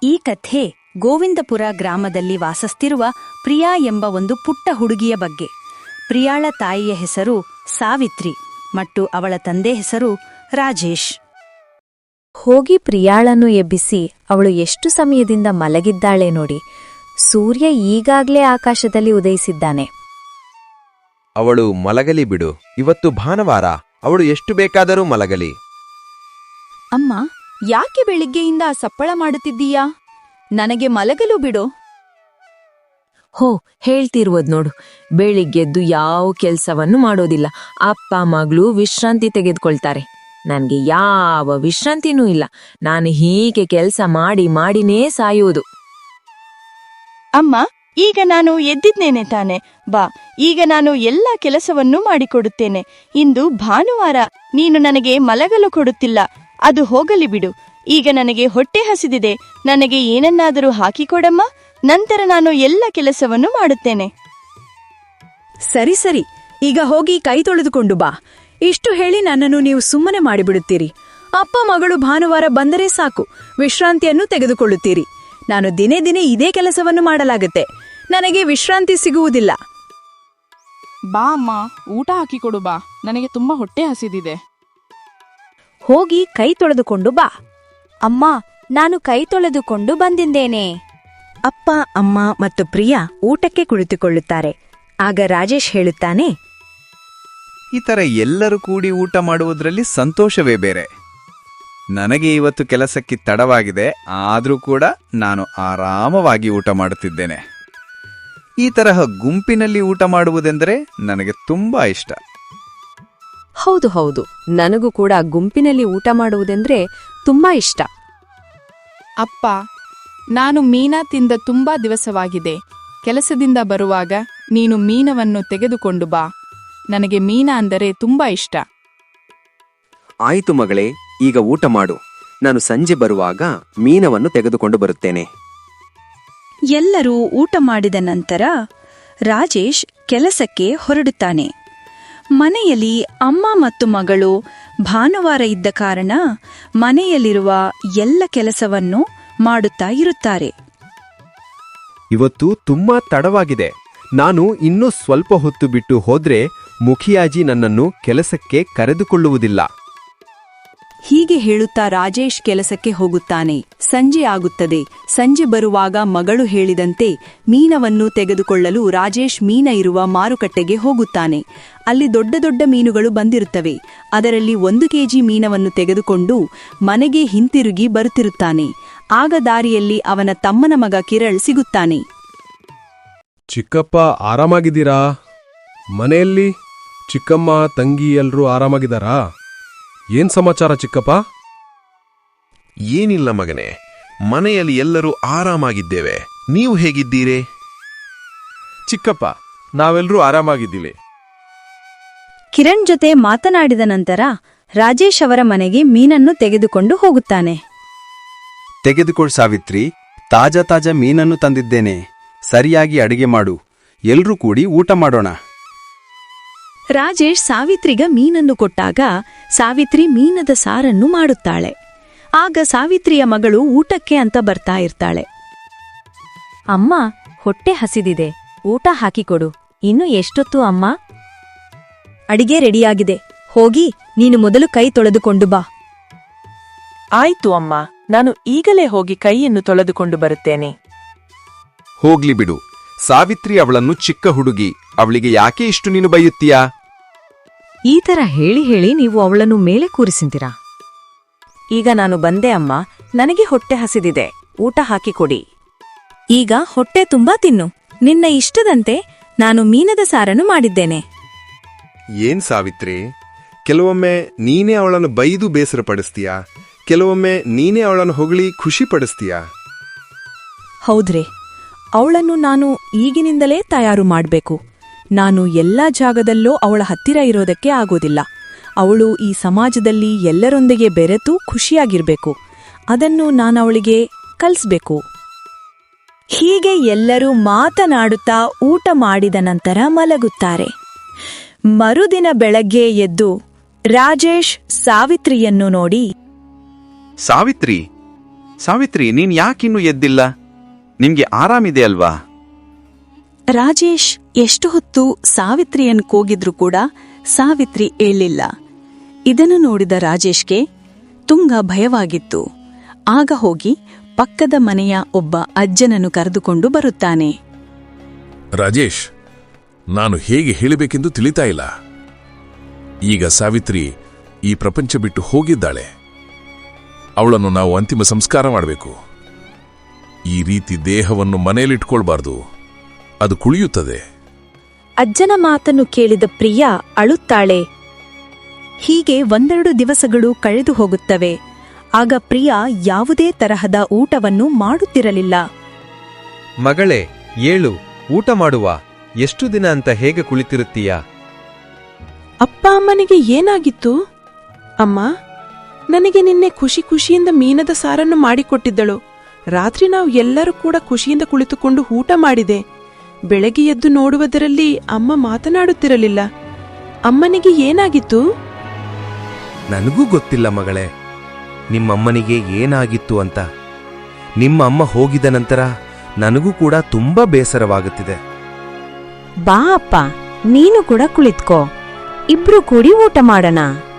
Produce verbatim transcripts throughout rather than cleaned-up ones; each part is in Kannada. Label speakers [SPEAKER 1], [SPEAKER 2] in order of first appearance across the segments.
[SPEAKER 1] ಈ ಕಥೆ ಗೋವಿಂದಪುರ ಗ್ರಾಮದಲ್ಲಿ ವಾಸಿಸ್ತಿರುವ ಪ್ರಿಯಾ ಎಂಬ ಒಂದು ಪುಟ್ಟ ಹುಡುಗಿಯ ಬಗ್ಗೆ. ಪ್ರಿಯಾಳ ತಾಯಿಯ ಹೆಸರು ಸಾವಿತ್ರಿ ಮತ್ತು ಅವಳ ತಂದೆ ಹೆಸರು ರಾಜೇಶ್.
[SPEAKER 2] ಹೋಗಿ ಪ್ರಿಯಾಳನ್ನು ಎಬ್ಬಿಸಿ, ಅವಳು ಎಷ್ಟು ಸಮಯದಿಂದ ಮಲಗಿದ್ದಾಳೆ ನೋಡಿ. ಸೂರ್ಯ ಈಗಾಗ್ಲೇ ಆಕಾಶದಲ್ಲಿ ಉದಯಿಸಿದ್ದಾನೆ.
[SPEAKER 3] ಅವಳು ಮಲಗಲಿ ಬಿಡು, ಇವತ್ತು ಭಾನುವಾರ, ಅವಳು ಎಷ್ಟು ಬೇಕಾದರೂ ಮಲಗಲಿ.
[SPEAKER 4] ಅಮ್ಮ, ಯಾಕೆ ಬೆಳಿಗ್ಗೆಯಿಂದ ಸಪ್ಪಳ ಮಾಡುತ್ತಿದ್ದೀಯಾ? ನನಗೆ ಮಲಗಲು ಬಿಡು.
[SPEAKER 5] ಹೋ, ಹೇಳ್ತಿರುವುದು ನೋಡು, ಬೆಳಿಗ್ಗೆದ್ದು ಯಾವ ಕೆಲ್ಸವನ್ನು ಮಾಡೋದಿಲ್ಲ. ಅಪ್ಪ ಮಗಳು ವಿಶ್ರಾಂತಿ ತೆಗೆದುಕೊಳ್ತಾರೆ. ನನ್ಗೆ ಯಾವ ವಿಶ್ರಾಂತಿನೂ ಇಲ್ಲ. ನಾನು ಹೀಗೆ ಕೆಲಸ ಮಾಡಿ ಮಾಡಿನೇ ಸಾಯುವುದು.
[SPEAKER 4] ಅಮ್ಮ, ಈಗ ನಾನು ಎದ್ದಿದ್ದೇನೆ ತಾನೆ, ಬಾ, ಈಗ ನಾನು ಎಲ್ಲ ಕೆಲಸವನ್ನೂ ಮಾಡಿಕೊಡುತ್ತೇನೆ. ಇಂದು ಭಾನುವಾರ, ನೀನು ನನಗೆ ಮಲಗಲು ಕೊಡುತ್ತಿಲ್ಲ. ಅದು ಹೋಗಲಿ ಬಿಡು. ಈಗ ನನಗೆ ಹೊಟ್ಟೆ ಹಸಿದಿದೆ, ನನಗೆ ಏನನ್ನಾದರೂ ಹಾಕಿಕೊಡಮ್ಮ, ನಂತರ ನಾನು ಎಲ್ಲ ಕೆಲಸವನ್ನು ಮಾಡುತ್ತೇನೆ.
[SPEAKER 1] ಸರಿ ಸರಿ, ಈಗ ಹೋಗಿ ಕೈ ತೊಳೆದುಕೊಂಡು ಬಾ. ಇಷ್ಟು ಹೇಳಿ ನನ್ನನ್ನು ನೀವು ಸುಮ್ಮನೆ ಮಾಡಿಬಿಡುತ್ತೀರಿ. ಅಪ್ಪ ಮಗಳು ಭಾನುವಾರ ಬಂದರೆ ಸಾಕು, ವಿಶ್ರಾಂತಿಯನ್ನು ತೆಗೆದುಕೊಳ್ಳುತ್ತೀರಿ. ನಾನು ದಿನೇ ದಿನೇ ಇದೇ ಕೆಲಸವನ್ನು ಮಾಡಲಾಗುತ್ತೆ. ನನಗೆ ವಿಶ್ರಾಂತಿ ಸಿಗುವುದಿಲ್ಲ.
[SPEAKER 6] ಬಾ ಅಮ್ಮ, ಊಟ ಹಾಕಿಕೊಡು ಬಾ, ನನಗೆ ತುಂಬಾ ಹೊಟ್ಟೆ ಹಸಿದಿದೆ.
[SPEAKER 2] ಹೋಗಿ ಕೈ ತೊಳೆದುಕೊಂಡು ಬಾ. ಅಮ್ಮ, ನಾನು ಕೈ ತೊಳೆದುಕೊಂಡು ಬಂದಿದ್ದೇನೆ.
[SPEAKER 1] ಅಪ್ಪ ಅಮ್ಮ ಮತ್ತು ಪ್ರಿಯಾ ಊಟಕ್ಕೆ ಕುಳಿತುಕೊಳ್ಳುತ್ತಾರೆ. ಆಗ ರಾಜೇಶ್ ಹೇಳುತ್ತಾನೆ,
[SPEAKER 7] ಈ ಥರ ಎಲ್ಲರೂ ಕೂಡಿ ಊಟ ಮಾಡುವುದರಲ್ಲಿ ಸಂತೋಷವೇ ಬೇರೆ. ನನಗೆ ಇವತ್ತು ಕೆಲಸಕ್ಕೆ ತಡವಾಗಿದೆ, ಆದರೂ ಕೂಡ ನಾನು ಆರಾಮವಾಗಿ ಊಟ ಮಾಡುತ್ತಿದ್ದೇನೆ. ಈ ತರಹ ಗುಂಪಿನಲ್ಲಿ ಊಟ ಮಾಡುವುದೆಂದರೆ ನನಗೆ ತುಂಬಾ ಇಷ್ಟ.
[SPEAKER 5] ಹೌದು ಹೌದು, ನನಗೂ ಕೂಡ ಗುಂಪಿನಲ್ಲಿ ಊಟ ಮಾಡುವುದೆಂದ್ರೆ ತುಂಬಾ ಇಷ್ಟ.
[SPEAKER 6] ಅಪ್ಪ, ನಾನು ಮೀನಾ ತಿಂದ ತುಂಬಾ ದಿವಸವಾಗಿದೆ. ಕೆಲಸದಿಂದ ಬರುವಾಗ ನೀನು ಮೀನವನ್ನು ತೆಗೆದುಕೊಂಡು ಬಾ. ನನಗೆ ಮೀನಾ ಅಂದರೆ ತುಂಬಾ ಇಷ್ಟ.
[SPEAKER 3] ಆಯಿತು ಮಗಳೇ, ಈಗ ಊಟ ಮಾಡು. ನಾನು ಸಂಜೆ ಬರುವಾಗ ಮೀನವನ್ನು ತೆಗೆದುಕೊಂಡು ಬರುತ್ತೇನೆ.
[SPEAKER 1] ಎಲ್ಲರೂ ಊಟ ಮಾಡಿದ ನಂತರ ರಾಜೇಶ್ ಕೆಲಸಕ್ಕೆ ಹೊರಡುತ್ತಾನೆ. ಮನೆಯಲ್ಲಿ ಅಮ್ಮ ಮತ್ತು ಮಗಳು ಭಾನುವಾರ ಇದ್ದ ಕಾರಣ ಮನೆಯಲ್ಲಿರುವ ಎಲ್ಲ ಕೆಲಸವನ್ನು ಮಾಡುತ್ತಾ ಇರುತ್ತಾರೆ.
[SPEAKER 3] ಇವತ್ತು ತುಂಬಾ ತಡವಾಗಿದೆ. ನಾನು ಇನ್ನೂ ಸ್ವಲ್ಪ ಹೊತ್ತು ಬಿಟ್ಟು ಹೋದ್ರೆ ಮುಖಿಯಾಜಿ ನನ್ನನ್ನು ಕೆಲಸಕ್ಕೆ ಕರೆದುಕೊಳ್ಳುವುದಿಲ್ಲ.
[SPEAKER 1] ಹೀಗೆ ಹೇಳುತ್ತಾ ರಾಜೇಶ್ ಕೆಲಸಕ್ಕೆ ಹೋಗುತ್ತಾನೆ. ಸಂಜೆ ಆಗುತ್ತದೆ. ಸಂಜೆ ಬರುವಾಗ ಮಗಳು ಹೇಳಿದಂತೆ ಮೀನವನ್ನು ತೆಗೆದುಕೊಳ್ಳಲು ರಾಜೇಶ್ ಮೀನ ಇರುವ ಮಾರುಕಟ್ಟೆಗೆ ಹೋಗುತ್ತಾನೆ. ಅಲ್ಲಿ ದೊಡ್ಡ ದೊಡ್ಡ ಮೀನುಗಳು ಬಂದಿರುತ್ತವೆ. ಅದರಲ್ಲಿ ಒಂದು ಕೆಜಿ ಮೀನವನ್ನು ತೆಗೆದುಕೊಂಡು ಮನೆಗೆ ಹಿಂತಿರುಗಿ ಬರುತ್ತಿರುತ್ತಾನೆ. ಆಗ ದಾರಿಯಲ್ಲಿ ಅವನ ತಮ್ಮನ ಮಗ ಕಿರಣ್ ಸಿಗುತ್ತಾನೆ.
[SPEAKER 8] ಚಿಕ್ಕಪ್ಪ, ಆರಾಮಾಗಿದ್ದೀರಾ? ಮನೆಯಲ್ಲಿ ಚಿಕ್ಕಮ್ಮ ತಂಗಿ ಎಲ್ರೂ ಆರಾಮಾಗಿದ್ದಾರಾ? ಏನ್ ಸಮಾಚಾರ ಚಿಕ್ಕಪ್ಪ?
[SPEAKER 9] ಏನಿಲ್ಲ ಮಗನೇ, ಮನೆಯಲ್ಲಿ ಎಲ್ಲರೂ ಆರಾಮಾಗಿದ್ದೇವೆ. ನೀವು ಹೇಗಿದ್ದೀರಿ?
[SPEAKER 8] ಚಿಕ್ಕಪ್ಪ, ನಾವೆಲ್ಲರೂ ಆರಾಮಾಗಿದ್ದೀವಿ.
[SPEAKER 1] ಕಿರಣ್ ಜೊತೆ ಮಾತನಾಡಿದ ನಂತರ ರಾಜೇಶ್ ಅವರ ಮನೆಗೆ ಮೀನನ್ನು ತೆಗೆದುಕೊಂಡು ಹೋಗುತ್ತಾನೆ.
[SPEAKER 7] ತೆಗೆದುಕೊಳ್ಳು ಸಾವಿತ್ರಿ, ತಾಜಾ ತಾಜಾ ಮೀನನ್ನು ತಂದಿದ್ದೇನೆ. ಸರಿಯಾಗಿ ಅಡಿಗೆ ಮಾಡು, ಎಲ್ರೂ ಕೂಡಿ ಊಟ ಮಾಡೋಣ.
[SPEAKER 1] ರಾಜೇಶ್ ಸಾವಿತ್ರಿಗ ಮೀನನ್ನು ಕೊಟ್ಟಾಗ ಸಾವಿತ್ರಿ ಮೀನದ ಸಾರನ್ನು ಮಾಡುತ್ತಾಳೆ. ಆಗ ಸಾವಿತ್ರಿಯ ಮಗಳು ಊಟಕ್ಕೆ ಅಂತ ಬರ್ತಾ ಇರ್ತಾಳೆ.
[SPEAKER 2] ಅಮ್ಮ, ಹೊಟ್ಟೆ ಹಸಿದಿದೆ, ಊಟ ಹಾಕಿಕೊಡು. ಇನ್ನು ಎಷ್ಟೊತ್ತು ಅಮ್ಮ?
[SPEAKER 1] ಅಡಿಗೆ ರೆಡಿಯಾಗಿದೆ, ಹೋಗಿ ನೀನು ಮೊದಲು ಕೈ ತೊಳೆದುಕೊಂಡು ಬಾ.
[SPEAKER 10] ಆಯ್ತು ಅಮ್ಮ, ನಾನು ಈಗಲೇ ಹೋಗಿ ಕೈಯನ್ನು ತೊಳೆದುಕೊಂಡು ಬರುತ್ತೇನೆ.
[SPEAKER 3] ಹೋಗ್ಲಿ ಬಿಡು, ಸಾವಿತ್ರಿ ಅವಳನ್ನು ಚಿಕ್ಕ ಹುಡುಗಿ, ಅವಳಿಗೆ ಯಾಕೆ ಇಷ್ಟು ನೀನು ಬೈಯುತ್ತೀಯಾ?
[SPEAKER 5] ಈ ತರ ಹೇಳಿ ಹೇಳಿ ನೀವು ಅವಳನ್ನು ಮೇಲೆ ಕೂರಿಸಿದ್ದೀರಾ.
[SPEAKER 2] ಈಗ ನಾನು ಬಂದೆ ಅಮ್ಮ, ನನಗೆ ಹೊಟ್ಟೆ ಹಸಿದಿದೆ, ಊಟ ಹಾಕಿಕೊಡಿ.
[SPEAKER 1] ಈಗ ಹೊಟ್ಟೆ ತುಂಬಾ ತಿನ್ನು. ನಿನ್ನ ಇಷ್ಟದಂತೆ ನಾನು ಮೀನದ ಸಾರನ್ನು ಮಾಡಿದ್ದೇನೆ.
[SPEAKER 9] ಏನ್ ಸಾವಿತ್ರಿ, ಕೆಲವೊಮ್ಮೆ ನೀನೇ ಅವಳನ್ನು ಬೈದು ಬೇಸರಪಡಿಸ್ತೀಯಾ, ಕೆಲವೊಮ್ಮೆ ನೀನೇ ಅವಳನ್ನು ಹೊಗಳಿ ಖುಷಿ ಪಡಿಸ್ತೀಯಾ?
[SPEAKER 1] ಹೌದ್ರಿ, ಅವಳನ್ನು ನಾನು ಈಗಿನಿಂದಲೇ ತಯಾರು ಮಾಡಬೇಕು. ನಾನು ಎಲ್ಲಾ ಜಾಗದಲ್ಲೂ ಅವಳ ಹತ್ತಿರ ಇರೋದಕ್ಕೆ ಆಗೋದಿಲ್ಲ. ಅವಳು ಈ ಸಮಾಜದಲ್ಲಿ ಎಲ್ಲರೊಂದಿಗೆ ಬೆರೆತು ಖುಷಿಯಾಗಿರ್ಬೇಕು. ಅದನ್ನು ನಾನವಳಿಗೆ ಕಲಿಸ್ಬೇಕು. ಹೀಗೆ ಎಲ್ಲರೂ ಮಾತನಾಡುತ್ತಾ ಊಟ ಮಾಡಿದ ನಂತರ ಮಲಗುತ್ತಾರೆ. ಮರುದಿನ ಬೆಳಗ್ಗೆ ಎದ್ದು ರಾಜೇಶ್ ಸಾವಿತ್ರಿಯನ್ನು ನೋಡಿ,
[SPEAKER 9] ಸಾವಿತ್ರಿ,
[SPEAKER 7] ಸಾವಿತ್ರಿ, ನೀನ್ ಯಾಕಿನ್ನೂ ಎದ್ದಿಲ್ಲ? ನಿಮ್ಗೆ ಆರಾಮಿದೆ ಅಲ್ವಾ?
[SPEAKER 1] ರಾಜೇಶ್ ಎಷ್ಟು ಹೊತ್ತು ಸಾವಿತ್ರಿಯನ್ನು ಕೂಗಿದ್ರೂ ಕೂಡ ಸಾವಿತ್ರಿ ಏಳಿಲ್ಲ. ಇದನ್ನು ನೋಡಿದ ರಾಜೇಶ್ಗೆ ತುಂಗ ಭಯವಾಗಿತ್ತು. ಆಗ ಹೋಗಿ ಪಕ್ಕದ ಮನೆಯ ಒಬ್ಬ ಅಜ್ಜನನ್ನು ಕರೆದುಕೊಂಡು ಬರುತ್ತಾನೆ.
[SPEAKER 11] ರಾಜೇಶ್, ನಾನು ಹೇಗೆ ಹೇಳಬೇಕೆಂದು ತಿಳಿತಾ ಇಲ್ಲ. ಈಗ ಸಾವಿತ್ರಿ ಈ ಪ್ರಪಂಚ ಬಿಟ್ಟು ಹೋಗಿದ್ದಾಳೆ. ಅವಳನ್ನು ನಾವು ಅಂತಿಮ ಸಂಸ್ಕಾರ ಮಾಡಬೇಕು. ಈ ರೀತಿ ದೇಹವನ್ನು ಮನೆಯಲ್ಲಿಟ್ಕೊಳ್ಬಾರ್ದು, ಅದು ಕುಳಿಯುತ್ತದೆ.
[SPEAKER 2] ಅಜ್ಜನ ಮಾತನ್ನು ಕೇಳಿದ ಪ್ರಿಯಾ ಅಳುತ್ತಾಳೆ.
[SPEAKER 1] ಹೀಗೆ ಒಂದೆರಡು ದಿವಸಗಳು ಕಳೆದು ಹೋಗುತ್ತವೆ. ಆಗ ಪ್ರಿಯಾ ಯಾವುದೇ ತರಹದ ಊಟವನ್ನು ಮಾಡುತ್ತಿರಲಿಲ್ಲ.
[SPEAKER 3] ಮಗಳೇ, ಏಳು, ಊಟ ಮಾಡುವ. ಎಷ್ಟು ದಿನ ಅಂತ ಹೇಗೆ ಕುಳಿತಿರುತ್ತೀಯಾ?
[SPEAKER 10] ಅಪ್ಪ ಅಮ್ಮನಿಗೆ ಏನಾಗಿತ್ತು? ಅಮ್ಮ, ನನಗೆ ನಿನ್ನೆ ಖುಷಿ ಖುಷಿಯಿಂದ ಮೀನದ ಸಾರನ್ನು ಮಾಡಿಕೊಟ್ಟಿದ್ದಳು. ರಾತ್ರಿ ನಾವು ಎಲ್ಲರೂ ಕೂಡ ಖುಷಿಯಿಂದ ಕುಳಿತುಕೊಂಡು ಊಟ ಮಾಡಿದೆ. ಬೆಳಗ್ಗೆ ಎದ್ದು ನೋಡುವುದರಲ್ಲಿ ಅಮ್ಮ ಮಾತನಾಡುತ್ತಿರಲಿಲ್ಲ. ಅಮ್ಮನಿಗೆ ಏನಾಗಿತ್ತು?
[SPEAKER 3] ನನಗೂ ಗೊತ್ತಿಲ್ಲ ಮಗಳೇ, ನಿಮ್ಮಮ್ಮನಿಗೆ ಏನಾಗಿತ್ತು ಅಂತ. ನಿಮ್ಮ ಅಮ್ಮ ಹೋಗಿದ ನಂತರ ನನಗೂ ಕೂಡ ತುಂಬಾ ಬೇಸರವಾಗುತ್ತಿದೆ.
[SPEAKER 2] ಬಾ ಅಪ್ಪ, ನೀನು ಕೂಡ ಕುಳಿತ್ಕೋ. ಇಬ್ರು ಕೂಡಿ ಊಟ ಮಾಡೋಣ.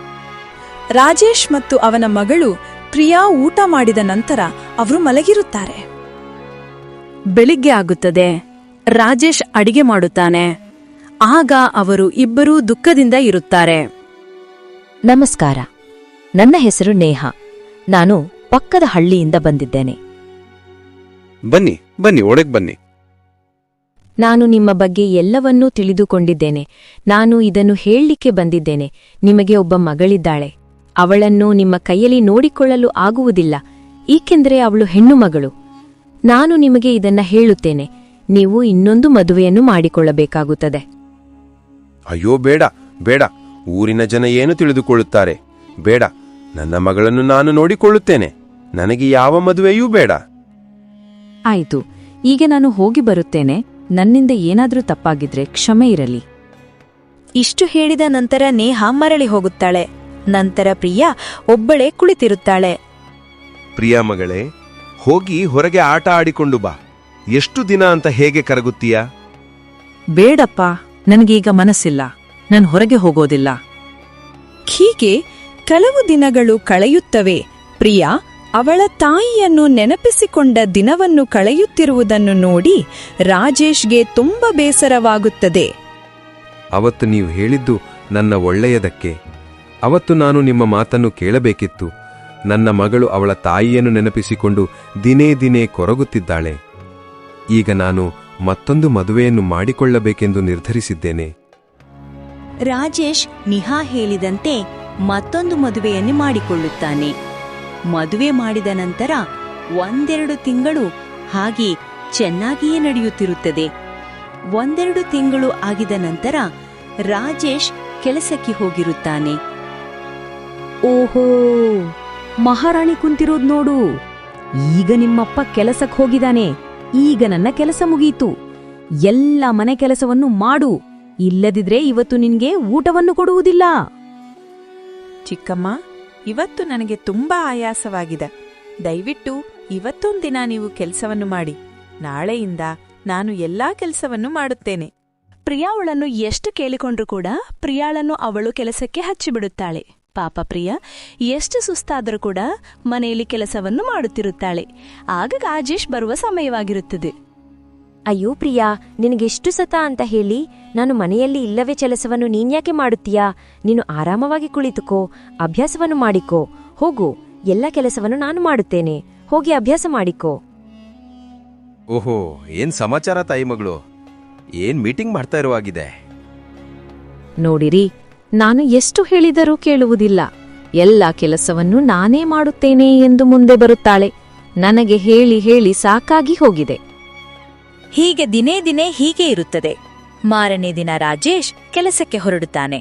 [SPEAKER 1] ರಾಜೇಶ್ ಮತ್ತು ಅವನ ಮಗಳು ಪ್ರಿಯಾ ಊಟ ಮಾಡಿದ ನಂತರ ಅವರು ಮಲಗಿರುತ್ತಾರೆ. ಬೆಳಿಗ್ಗೆ ಆಗುತ್ತದೆ. ರಾಜೇಶ್ ಅಡಿಗೆ ಮಾಡುತ್ತಾನೆ. ಆಗ ಅವರು ಇಬ್ಬರೂ ದುಃಖದಿಂದ ಇರುತ್ತಾರೆ.
[SPEAKER 5] ನಮಸ್ಕಾರ, ನನ್ನ ಹೆಸರು ನೇಹ. ನಾನು ಪಕ್ಕದ ಹಳ್ಳಿಯಿಂದ ಬಂದಿದ್ದೇನೆ.
[SPEAKER 9] ಬನ್ನಿ ಬನ್ನಿ ಒಳಗೆ ಬನ್ನಿ.
[SPEAKER 5] ನಾನು ನಿಮ್ಮ ಬಗ್ಗೆ ಎಲ್ಲವನ್ನೂ ತಿಳಿದುಕೊಂಡಿದ್ದೇನೆ. ನಾನು ಇದನ್ನು ಹೇಳಲಿಕ್ಕೆ ಬಂದಿದ್ದೇನೆ. ನಿಮಗೆ ಒಬ್ಬ ಮಗಳಿದ್ದಾಳೆ. ಅವಳನ್ನು ನಿಮ್ಮ ಕೈಯಲ್ಲಿ ನೋಡಿಕೊಳ್ಳಲು ಆಗುವುದಿಲ್ಲ, ಏಕೆಂದರೆ ಅವಳು ಹೆಣ್ಣು ಮಗಳು. ನಾನು ನಿಮಗೆ ಇದನ್ನ ಹೇಳುತ್ತೇನೆ. ನೀವು ಇನ್ನೊಂದು ಮದುವೆಯನ್ನು ಮಾಡಿಕೊಳ್ಳಬೇಕಾಗುತ್ತದೆ.
[SPEAKER 9] ಅಯ್ಯೋ ಬೇಡ ಬೇಡ, ಊರಿನ ಜನ ಏನು ತಿಳಿದುಕೊಳ್ಳುತ್ತಾರೆ? ಬೇಡ, ನನ್ನ ಮಗಳನ್ನು ನಾನು ನೋಡಿಕೊಳ್ಳುತ್ತೇನೆ. ನನಗೆ ಯಾವ ಮದುವೆಯೂ ಬೇಡ.
[SPEAKER 5] ಆಯಿತು, ಈಗ ನಾನು ಹೋಗಿ ಬರುತ್ತೇನೆ. ನನ್ನಿಂದ ಏನಾದರೂ ತಪ್ಪಾಗಿದ್ರೆ ಕ್ಷಮೆ ಇರಲಿ.
[SPEAKER 2] ಇಷ್ಟು ಹೇಳಿದ ನಂತರ ನೇಹ ಮರಳಿ ಹೋಗುತ್ತಾಳೆ. ನಂತರ ಪ್ರಿಯಾ ಒಬ್ಬಳೇ ಕುಳಿತಿರುತ್ತಾಳೆ.
[SPEAKER 9] ಪ್ರಿಯಾ ಮಗಳೇ, ಹೋಗಿ ಹೊರಗೆ ಆಟ ಆಡಿಕೊಂಡು ಬಾ. ಎಷ್ಟು ದಿನ ಅಂತ ಹೇಗೆ ಕರಗುತ್ತೀಯಾ?
[SPEAKER 1] ಬೇಡಪ್ಪ, ನನಗೀಗ ಮನಸ್ಸಿಲ್ಲ. ನಾನು ಹೊರಗೆ ಹೋಗೋದಿಲ್ಲ. ಹೀಗೆ ಕೆಲವು ದಿನಗಳು ಕಳೆಯುತ್ತವೆ. ಪ್ರಿಯಾ ಅವಳ ತಾಯಿಯನ್ನು ನೆನಪಿಸಿಕೊಂಡ ದಿನವನ್ನು ಕಳೆಯುತ್ತಿರುವುದನ್ನು ನೋಡಿ ರಾಜೇಶ್ಗೆ ತುಂಬ ಬೇಸರವಾಗುತ್ತದೆ.
[SPEAKER 3] ಅವತ್ತು ನೀವು ಹೇಳಿದ್ದು ನನ್ನ ಒಳ್ಳೆಯದಕ್ಕೆ. ಅವತ್ತು ನಾನು ನಿಮ್ಮ ಮಾತನ್ನು ಕೇಳಬೇಕಿತ್ತು. ನನ್ನ ಮಗಳು ಅವಳ ತಾಯಿಯನ್ನು ನೆನಪಿಸಿಕೊಂಡು ದಿನೇ ದಿನೇ ಕೊರಗುತ್ತಿದ್ದಾಳೆ. ಈಗ ನಾನು ಮತ್ತೊಂದು ಮದುವೆಯನ್ನು ಮಾಡಿಕೊಳ್ಳಬೇಕೆಂದು ನಿರ್ಧರಿಸಿದ್ದೇನೆ.
[SPEAKER 1] ರಾಜೇಶ್ ನಿಹಾ ಹೇಳಿದಂತೆ ಮತ್ತೊಂದು ಮದುವೆಯನ್ನು ಮಾಡಿಕೊಳ್ಳುತ್ತಾನೆ. ಮದುವೆ ಮಾಡಿದ ನಂತರ ಒಂದೆರಡು ತಿಂಗಳು ಹಾಗೆ ಚೆನ್ನಾಗಿಯೇ ನಡೆಯುತ್ತಿರುತ್ತದೆ. ಒಂದೆರಡು ತಿಂಗಳು ಆಗಿದ ನಂತರ ರಾಜೇಶ್ ಕೆಲಸಕ್ಕೆ ಹೋಗಿರುತ್ತಾನೆ.
[SPEAKER 5] ಓಹೋ, ಮಹಾರಾಣಿ ಕುಂತಿರೋದ್ ನೋಡು. ಈಗ ನಿಮ್ಮಪ್ಪ ಕೆಲಸಕ್ಕೆ ಹೋಗಿದ್ದಾನೆ. ಈಗ ನನ್ನ ಕೆಲಸ ಮುಗಿಯಿತು. ಎಲ್ಲ ಮನೆ ಕೆಲಸವನ್ನು ಮಾಡು, ಇಲ್ಲದಿದ್ರೆ ಇವತ್ತು ನಿನ್ಗೆ ಊಟವನ್ನು ಕೊಡುವುದಿಲ್ಲ.
[SPEAKER 10] ಚಿಕ್ಕಮ್ಮ, ಇವತ್ತು ನನಗೆ ತುಂಬಾ ಆಯಾಸವಾಗಿದೆ. ದಯವಿಟ್ಟು ಇವತ್ತೊಂದಿನ ನೀವು ಕೆಲಸವನ್ನು ಮಾಡಿ. ನಾಳೆಯಿಂದ ನಾನು ಎಲ್ಲಾ ಕೆಲಸವನ್ನು ಮಾಡುತ್ತೇನೆ.
[SPEAKER 4] ಪ್ರಿಯಾವಳನ್ನು ಎಷ್ಟು ಕೇಳಿಕೊಂಡ್ರೂ ಕೂಡ ಪ್ರಿಯಾಳನ್ನು ಅವಳು ಕೆಲಸಕ್ಕೆ ಹಚ್ಚಿಬಿಡುತ್ತಾಳೆ. ಪಾಪ ಪ್ರಿಯಾ ಎಷ್ಟು ಸುಸ್ತಾದರೂ ಕೂಡ ಮನೆಯಲ್ಲಿ ಕೆಲಸವನ್ನು ಮಾಡುತ್ತಿರುತ್ತಾಳೆ. ಆಗ ರಾಜೇಶ್ ಬರುವ ಸಮಯವಾಗಿರುತ್ತದೆ.
[SPEAKER 5] ಅಯ್ಯೋ ಪ್ರಿಯಾ, ನಿನಗೆಷ್ಟು ಸತ ಅಂತ ಹೇಳಿ ನಾನು ಮನೆಯಲ್ಲಿ ಇಲ್ಲವೇ ಕೆಲಸವನ್ನು ನೀನ್ಯಾಕೆ ಮಾಡುತ್ತೀಯಾ? ನೀನು ಆರಾಮವಾಗಿ ಕುಳಿತುಕೋ, ಅಭ್ಯಾಸವನ್ನು ಮಾಡಿಕೋ. ಹೋಗು, ಎಲ್ಲ ಕೆಲಸವನ್ನು ನಾನು ಮಾಡುತ್ತೇನೆ. ಹೋಗಿ ಅಭ್ಯಾಸ ಮಾಡಿಕೋ.
[SPEAKER 3] ಓಹೋ, ಏನ್ ಸಮಾಚಾರ ತಾಯಿ ಮಗಳು? ಏನ್ ಮೀಟಿಂಗ್ ಮಾಡ್ತಾ ಇರುವಾಗಿದೆ?
[SPEAKER 5] ನೋಡಿರಿ, ನಾನು ಎಷ್ಟು ಹೇಳಿದರೂ ಕೇಳುವುದಿಲ್ಲ. ಎಲ್ಲ ಕೆಲಸವನ್ನು ನಾನೇ ಮಾಡುತ್ತೇನೆ ಎಂದು ಮುಂದೆ ಬರುತ್ತಾಳೆ. ನನಗೆ ಹೇಳಿ ಹೇಳಿ ಸಾಕಾಗಿ ಹೋಗಿದೆ.
[SPEAKER 2] ಹೀಗೆ ದಿನೇ ದಿನೇ ಹೀಗೆ ಇರುತ್ತದೆ. ಮಾರನೇ ದಿನ ರಾಜೇಶ್ ಕೆಲಸಕ್ಕೆ ಹೊರಡುತ್ತಾನೆ.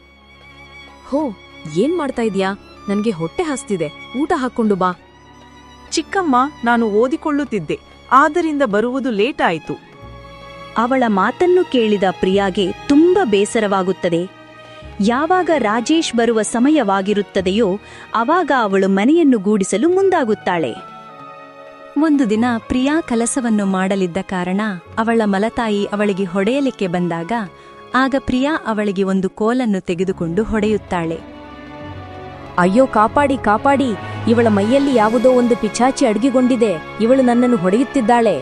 [SPEAKER 5] ಹೋ, ಏನ್ ಮಾಡ್ತಾ ಇದ್ಯಾ? ನನ್ಗೆ ಹೊಟ್ಟೆ ಹಸ್ತಿದೆ, ಊಟ ಹಾಕೊಂಡು ಬಾ.
[SPEAKER 10] ಚಿಕ್ಕಮ್ಮ, ನಾನು ಓದಿಕೊಳ್ಳುತ್ತಿದ್ದೆ, ಆದ್ದರಿಂದ ಬರುವುದು ಲೇಟ್ ಆಯಿತು.
[SPEAKER 1] ಅವಳ ಮಾತನ್ನು ಕೇಳಿದ ಪ್ರಿಯಾಗೆ ತುಂಬ ಬೇಸರವಾಗುತ್ತದೆ. ಯಾವಾಗ ರಾಜೇಶ್ ಬರುವ ಸಮಯವಾಗಿರುತ್ತದೆಯೋ ಆವಾಗ ಅವಳು ಮನೆಯನ್ನು ಗೂಡಿಸಲು ಮುಂದಾಗುತ್ತಾಳೆ. ಒಂದು ದಿನ ಪ್ರಿಯಾ ಕೆಲಸವನ್ನು ಮಾಡಲಿದ್ದ ಕಾರಣ ಅವಳ ಮಲತಾಯಿ ಅವಳಿಗೆ ಹೊಡೆಯಲಿಕ್ಕೆ ಬಂದಾಗ ಆಗ ಪ್ರಿಯಾ ಅವಳಿಗೆ ಒಂದು ಕೋಲನ್ನು ತೆಗೆದುಕೊಂಡು ಹೊಡೆಯುತ್ತಾಳೆ.
[SPEAKER 5] ಅಯ್ಯೋ ಕಾಪಾಡಿ ಕಾಪಾಡಿ, ಇವಳ ಮೈಯಲ್ಲಿ ಯಾವುದೋ ಒಂದು ಪಿಚಾಚಿ ಅಡಗಿಕೊಂಡಿದೆ, ಇವಳು ನನ್ನನ್ನು ಹೊಡೆಯುತ್ತಿದ್ದಾಳೆ.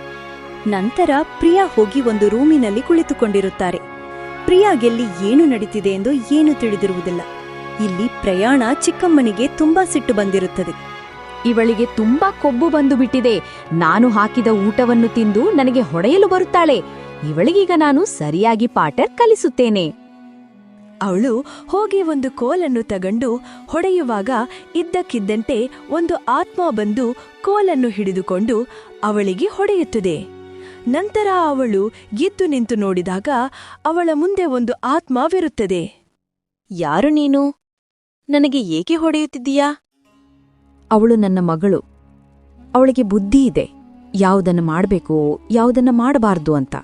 [SPEAKER 1] ನಂತರ ಪ್ರಿಯಾ ಹೋಗಿ ಒಂದು ರೂಮಿನಲ್ಲಿ ಕುಳಿತುಕೊಂಡಿರುತ್ತಾರೆ. ಪ್ರಿಯಾಗೆಲ್ಲಿ ಏನು ನಡೀತಿದೆ ಎಂದು ಏನು ತಿಳಿದಿರುವುದಿಲ್ಲ. ಇಲ್ಲಿ ಪ್ರಯಾಣ ಚಿಕ್ಕಮ್ಮನಿಗೆ ತುಂಬಾ ಸಿಟ್ಟು ಬಂದಿರುತ್ತದೆ.
[SPEAKER 5] ಇವಳಿಗೆ ತುಂಬಾ ಕೊಬ್ಬು ಬಂದು ಬಿಟ್ಟಿದೆ. ನಾನು ಹಾಕಿದ ಊಟವನ್ನು ತಿಂದು ನನಗೆ ಹೊಡೆಯಲು ಬರುತ್ತಾಳೆ. ಇವಳಿಗೀಗ ನಾನು ಸರಿಯಾಗಿ ಪಾಠ ಕಲಿಸುತ್ತೇನೆ.
[SPEAKER 1] ಅವಳು ಹೋಗಿ ಒಂದು ಕೋಲನ್ನು ತಗೊಂಡು ಹೊಡೆಯುವಾಗ ಇದ್ದಕ್ಕಿದ್ದಂತೆ ಒಂದು ಆತ್ಮ ಬಂದು ಕೋಲನ್ನು ಹಿಡಿದುಕೊಂಡು ಅವಳಿಗೆ ಹೊಡೆಯುತ್ತದೆ. ನಂತರ ಅವಳು ಎದ್ದು ನಿಂತು ನೋಡಿದಾಗ ಅವಳ ಮುಂದೆ ಒಂದು ಆತ್ಮವಿರುತ್ತದೆ.
[SPEAKER 5] ಯಾರು ನೀನು? ನನಗೆ ಏಕೆ ಹೊಡೆಯುತ್ತಿದ್ದೀಯಾ? ಅವಳು ನನ್ನ ಮಗಳು. ಅವಳಿಗೆ ಬುದ್ಧಿ ಇದೆ, ಯಾವುದನ್ನು ಮಾಡಬೇಕು ಯಾವುದನ್ನ ಮಾಡಬಾರ್ದು ಅಂತ.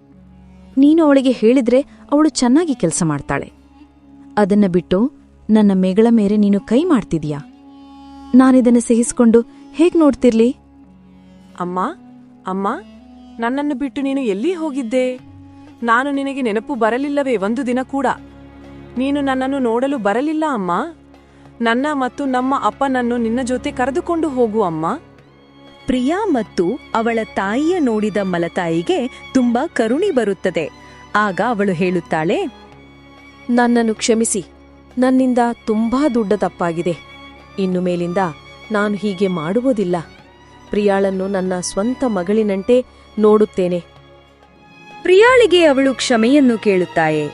[SPEAKER 5] ನೀನು ಅವಳಿಗೆ ಹೇಳಿದ್ರೆ ಅವಳು ಚೆನ್ನಾಗಿ ಕೆಲಸ ಮಾಡ್ತಾಳೆ. ಅದನ್ನ ಬಿಟ್ಟು ನನ್ನ ಮೇಗಳ ಮೇಲೆ ನೀನು ಕೈ ಮಾಡ್ತಿದೀಯಾ? ನಾನಿದನ್ನು ಸಹಿಸಿಕೊಂಡು ಹೇಗ್ ನೋಡ್ತಿರ್ಲಿ?
[SPEAKER 10] ಅಮ್ಮ ಅಮ್ಮ, ನನ್ನನ್ನು ಬಿಟ್ಟು ನೀನು ಎಲ್ಲಿ ಹೋಗಿದ್ದೆ? ನಾನು ನಿನಗೆ ನೆನಪು ಬರಲಿಲ್ಲವೇ ಒಂದು ದಿನ ಕೂಡ? ನೀನು ನನ್ನನ್ನು ನೋಡಲು ಬರಲಿಲ್ಲ ಅಮ್ಮ. ನನ್ನ ಮತ್ತು ನಮ್ಮ ಅಪ್ಪನನ್ನು ನಿನ್ನ ಜೊತೆ ಕರೆದುಕೊಂಡು ಹೋಗು ಅಮ್ಮ.
[SPEAKER 1] ಪ್ರಿಯಾ ಮತ್ತು ಅವಳ ತಾಯಿಯ ನೋಡಿದ ಮಲತಾಯಿಗೆ ತುಂಬಾ ಕರುಣೆ ಬರುತ್ತದೆ. ಆಗ ಅವಳು ಹೇಳುತ್ತಾಳೆ,
[SPEAKER 5] ನನ್ನನ್ನು ಕ್ಷಮಿಸಿ, ನನ್ನಿಂದ ತುಂಬಾ ದೊಡ್ಡ ತಪ್ಪಾಗಿದೆ. ಇನ್ನು ಮೇಲಿಂದ ನಾನು ಹೀಗೆ ಮಾಡುವುದಿಲ್ಲ. ಪ್ರಿಯಾಳನ್ನು ನನ್ನ ಸ್ವಂತ ಮಗಳಿನಂತೆ ನೋಡುತ್ತೇನೆ.
[SPEAKER 1] ಪ್ರಿಯಾಳಿಗೆ ಅವಳು ಕ್ಷಮೆಯನ್ನು ಕೇಳುತ್ತಾಳೆ.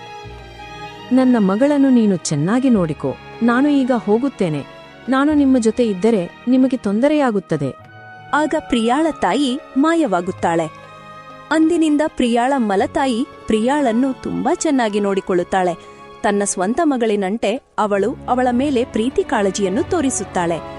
[SPEAKER 5] ನನ್ನ ಮಗಳನ್ನು ನೀನು ಚೆನ್ನಾಗಿ ನೋಡಿಕೋ. ನಾನು ಈಗ ಹೋಗುತ್ತೇನೆ. ನಾನು ನಿಮ್ಮ ಜೊತೆ ಇದ್ದರೆ ನಿಮಗೆ ತೊಂದರೆಯಾಗುತ್ತದೆ.
[SPEAKER 1] ಆಗ ಪ್ರಿಯಾಳ ತಾಯಿ ಮಾಯವಾಗುತ್ತಾಳೆ. ಅಂದಿನಿಂದ ಪ್ರಿಯಾಳ ಮಲತಾಯಿ ಪ್ರಿಯಾಳನ್ನು ತುಂಬಾ ಚೆನ್ನಾಗಿ ನೋಡಿಕೊಳ್ಳುತ್ತಾಳೆ. ತನ್ನ ಸ್ವಂತ ಮಗಳಿನಂತೆ ಅವಳು ಅವಳ ಮೇಲೆ ಪ್ರೀತಿ ಕಾಳಜಿಯನ್ನು ತೋರಿಸುತ್ತಾಳೆ.